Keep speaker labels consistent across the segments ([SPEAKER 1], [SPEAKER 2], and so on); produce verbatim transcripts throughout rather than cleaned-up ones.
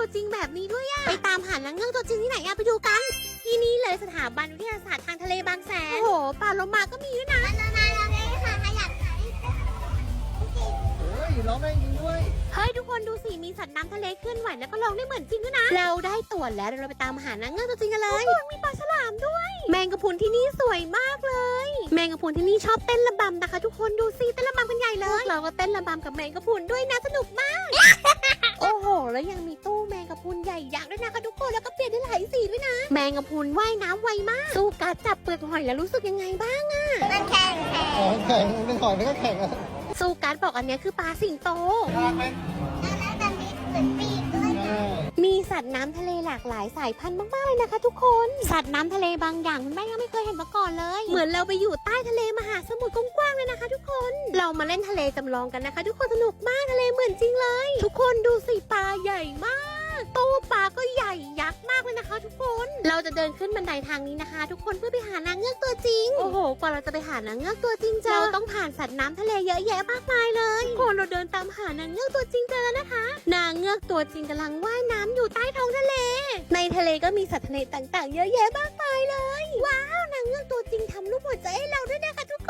[SPEAKER 1] ตัวจริงแบบนี้ด้วยอะไปตามหานางเงือกตัวจริงที่ไหนอะไปดูกันที่นี่เลยสถาบันวิทยาศาสตร์ทางทะเลบางแสนโอ้โหปลาโลมาก็มีด้วยนะ
[SPEAKER 2] เฮ้ยร้องได้จริงด้วย
[SPEAKER 1] เฮ้ยทุกคนดูสิมีสัตว์น้ำทะเลเคลื่อนไหวแล้วก็ร้องได้เหมือนจริงด้วยนะเราได้ตั๋วแล้วเดี๋ยวเราไปตามหานางเงือกตัวจริงกันเลยมีปลาฉลามด้วย แมงกะพรุนที่นี่สวยมากเลย แมงกะพรุนที่นี่ชอบเต้นระบำนะคะ ทุกคนดูสิเต้นระบำกันใหญ่เลยเราก็เต้นระบำกับแมงกะพรุนด้วยนะสนุกมาก โอ้โหแล้วยังมีตู้แมงกะพรุนใหญ่ยักษ์ด้วยนะคะทุกคนแล้วก็เปลี่ยนได้หลายสีด้วยนะแมงกะพรุนว่ายน้ำไวมากสู้การจับเปลือกหอยแล้วรู้สึกยังไงบ้างอะ
[SPEAKER 3] มันแข็งแข็ง
[SPEAKER 2] อ๋อแข่งเป็นหอยมันก็แข่งอะ
[SPEAKER 1] สู้การบอกอันเนี้ยคือปลาสิงโต
[SPEAKER 2] น่ารักไหม
[SPEAKER 3] แล้วมันมีเหมือนปีกด้วย
[SPEAKER 2] ใช่
[SPEAKER 1] มีสัตว์น้ำทะเลหลากหลายสายพันธุ์มากๆเลยนะคะทุกคน สัตว์น้ำทะเลบางอย่างคุณแม่ยังไม่เคยเห็นมาก่อนเลย เหมือนเราไปอยู่ใต้ทะเลมหาสมุทรกว้างๆเลยนะคะทุกคน เรามาเล่นทะเลจำลองกันนะคะ ทุกคนสนุกมากทะเลเหมือนจริงเลย ทุกคนดูสิปลาใหญ่มากตู้ปลาก็ใหญ่ยักษ์มากเลยนะคะ ทุกคน เราจะเดินขึ้นบันไดทางนี้นะคะ ทุกคนเพื่อไปหานางเงือกตัวจริง โอ้โหกว่าเราจะไปหานางเงือกตัวจริงเจอเราต้องผ่านสัตว์น้ำทะเลเยอะแยะมากมายเลยทุกคนเราเดินตามหานางเงือกตัวจริงเจอแล้วนะคะ นางเงือกตัวจริงกำลังว่ายน้ำอยู่ใต้ท้องทะเล ในทะเลก็มีสัตว์ทะเลต่างๆ เยอะแยะมากมายเลย ว้าวนางเงือกตัวจริงทำรูปหัวใจให้เราด้วยนะคะทุกคน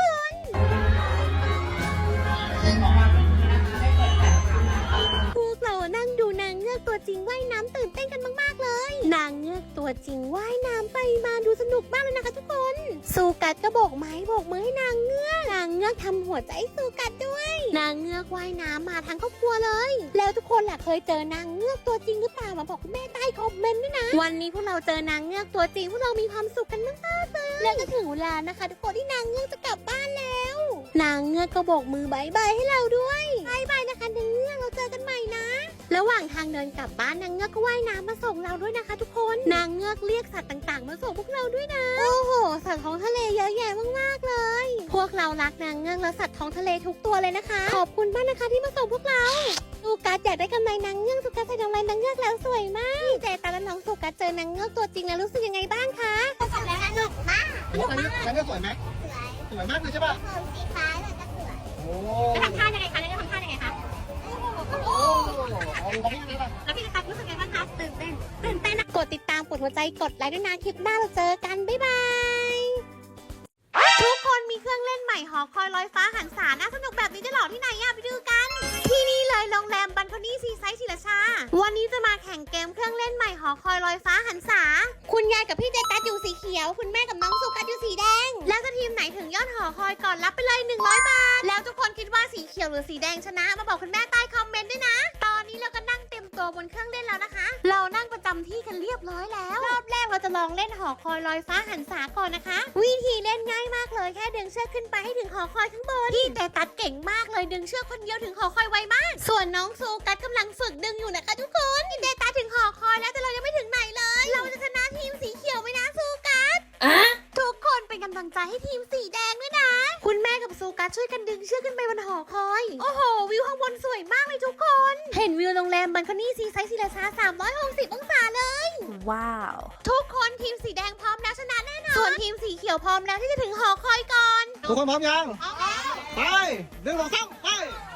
[SPEAKER 1] พวกเรานั่งดูนางเงือกตัวจริงว่ายน้ำตื่นเต้นกันมากๆเลย นางเงือกตัวจริงว่ายน้ำไปมาดูสนุกมากเลยนะคะทุกคนสูกัดก็โบกไม้โบกมือให้นางเงือกนางเงือกทำหัวใจให้สูกัดด้วย นางเงือกว่ายน้ำมาทั้งครอบครัวเลย แล้วทุกคนล่ะเคยเจอนางเงือกตัวจริงหรือเปล่ามาบอกคุณแม่ใต้คอมเมนต์ด้วยนะ วันนี้พวกเราเจอนางเงือกตัวจริงพวกเรามีความสุขกันมากๆเลยแล้วก็ถึงเวลานะคะทุกคนที่นางเงือกจะกลับบ้านแล้ว นางเงือกก็โบกมือบายบายให้เราด้วยบายบายนะคะนางเงือกเราเจอกันใหม่นะ ระหว่างทางเดินกลับบ้านนางเงือกก็ว่ายน้ำมาส่งเราด้วยนะคะ ทุกคนนางเงือกเรียกสัตว์ต่างๆมาส่งพวกเราด้วยนะโอ้โหสัตว์ท้องทะเลเยอะแยะมากๆเลย พวกเรารักนางเงือกและสัตว์ท้องทะเลทุกตัวเลยนะคะขอบคุณมากนะคะที่มาส่งพวกเราสุกัสอยากได้กำไรนางเงือกสุกัสใส่กำไรนางเงือกแล้วสวยมากพี่เจตาและน้องสุกัสเจอนางเงือกตัวจริงแล้วรู้สึกยังไงบ้างคะ
[SPEAKER 3] สนุกมาก
[SPEAKER 2] อันนี้อันนี้สวยไหม
[SPEAKER 3] สวย
[SPEAKER 2] สวยมากเลยใช่ป่ะ
[SPEAKER 3] ผมสีฟ้าเลยก็สวย
[SPEAKER 2] โอ้
[SPEAKER 1] แล้วทำท่ายังไงคะแล้วทำท่ายังไงคะ
[SPEAKER 2] โอ้เอาลองให้ดูป่ะ
[SPEAKER 1] แล้วพี่กัสรู้สึกยังไงบ้างคะตื่นเต้นตื่นเต้นนะกดติดตามกดหัวใจกดไลค์ด้วยนะคลิปหน้าเราเจอกันบ๊ายบายทุกคนมีเครื่องเล่นใหม่หอคอยลอยฟ้าหันษาน่าสนุกแบบนี้จะหลอกที่ไหนอะไปดูกัน ที่นี่เลยโรงแรมบันคอนี่ซีไซส์ศิลาชา วันนี้จะมาแข่งเกมเครื่องเล่นใหม่หอคอยลอยฟ้าหันษา คุณยายกับพี่เจตัสอยู่สีเขียว คุณแม่กับน้องสุกัสอยู่สีแดง แล้วจะทีมไหนถึงยอดหอคอยก่อนรับไปเลยหนึ่งร้อยบาท แล้วทุกคนคิดว่าสีเขียวหรือสีแดงชนะ มาบอกคุณแม่ใต้คอมเมนต์ด้วยนะ ตอนนี้เราก็นั่งเต็มตัวบนเครื่องเล่นแล้วนะคะ เรานั่งประจำที่กันเรียบร้อยแล้ว รอบแรกเราจะลองเล่นหอคอยลอยฟ้าหันษาก่อนนะคะ วิธีเล่นง่ายมากเลยแค่ดึงเชือกขึ้นไปให้ถึงหอคอยข้างบนพี่เจตัสเก่งมากเลยดึงเชือกคนเดียวถึงหอคอยไวมาก ส่วนน้องซูกัสกำลังฝึกดึงอยู่นะคะทุกคนพี่เจตัสถึงหอคอยแล้วแต่เรายังไม่ถึงไหนเลย เราจะชนะทีมสีเขียวไหมนะซูกัสทุกคนเป็นกำลังใจให้ทีมสีแดงด้วยนะ คุณแม่กับซูกัสช่วยกันดึงเชือกขึ้นไปบนหอคอย โอ้โห วิวข้างบนสวยมากเลยทุกคน เห็นวิวโรงแรมบันคอนี่ซีไซส์ศิลาชาสามร้อยหกสิบองศาเลย
[SPEAKER 4] ว้าว
[SPEAKER 1] ทุกคนทีมสีแดงพร้อมแล้วชนะแน่นอน ส่วนทีมสีเขียวพร้อมแล้วที่จะถึงหอคอยก่อน
[SPEAKER 2] ทุกคนพร้อมยังไปหนึ่งสองสามไป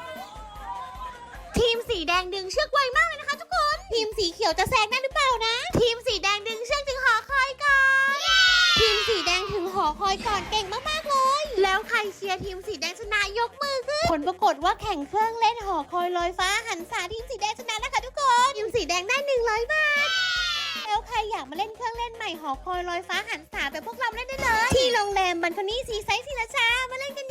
[SPEAKER 1] ทีมสีแดงดึงเชือกไวมากเลยนะคะทุกคน ทีมสีเขียวจะแซงได้หรือเปล่านะ ทีมสีแดงดึงเชือกถึงหอคอยก่อน ทีมสีแดงถึงหอคอยก่อนเก่งมากๆเลย แล้วใครเชียร์ทีมสีแดงชนะยกมือขึ้น ผลปรากฏว่าแข่งเครื่องเล่นหอคอยลอยฟ้าหันษาทีมสีแดงชนะนะคะทุกคน ทีมสีแดงได้หนึ่งร้อยบาท แล้วใครอยากมาเล่นเครื่องเล่นใหม่หอคอยลอยฟ้าหันษาแบบพวกเราเล่นได้เลย ที่โรงแรมบันคอนี่ซีไซส์ศิลาชามาเล่นกัน